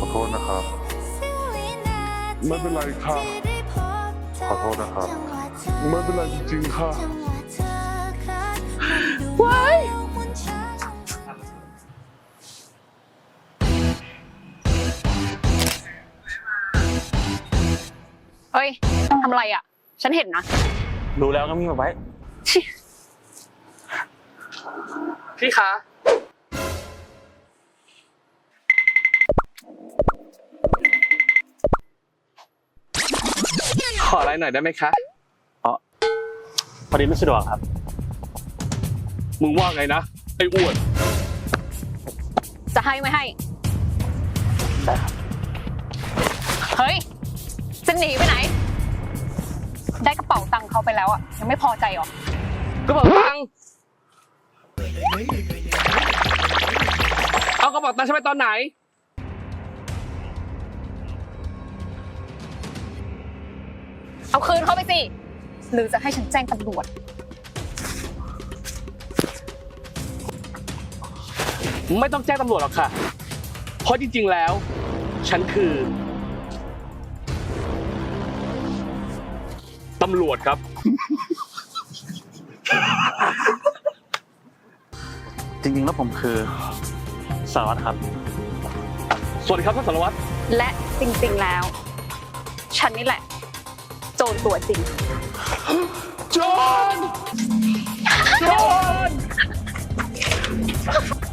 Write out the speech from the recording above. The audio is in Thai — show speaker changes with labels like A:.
A: โทษนะครับไม่เป็นไรค่ะขอโทษนะครับไม่เป็นไรจริงๆค่ะ
B: ว้ายเฮ้ยทำอะไรอ่ะฉันเห็นนะ
C: รู้แล้วก็มีมาไว้พี่คะขออะไรหน่อยได้ไหมคะพอดีไม่สะดวกครับ
D: มึงว่าไงนะไอ้อ้วน
B: จะให้ไม่ให้
C: ได้ครับ
B: เฮ้ยจะหนีไปไหนได้กระเป๋าตังค์เขาไปแล้วอ่ะยังไม่พอใจหรอก
D: ระเป๋าตังค์เอากระเป๋าตังค์ฉันไปตอนไหน
B: เอาคืนเขาไปสิหรือจะให้ฉันแจ้งตำรวจ
D: ไม่ต้องแจ้งตำรวจหรอกค่ะเพราะจริงๆแล้วฉันคือตำรวจครับ
C: จริงๆแล้วผมคือสารวัตรครับ
D: สวัสดีครับท่านสารวัตร
B: และจริงๆแล้ว ฉันนี่แหละ โจรตัวจริง
D: โจร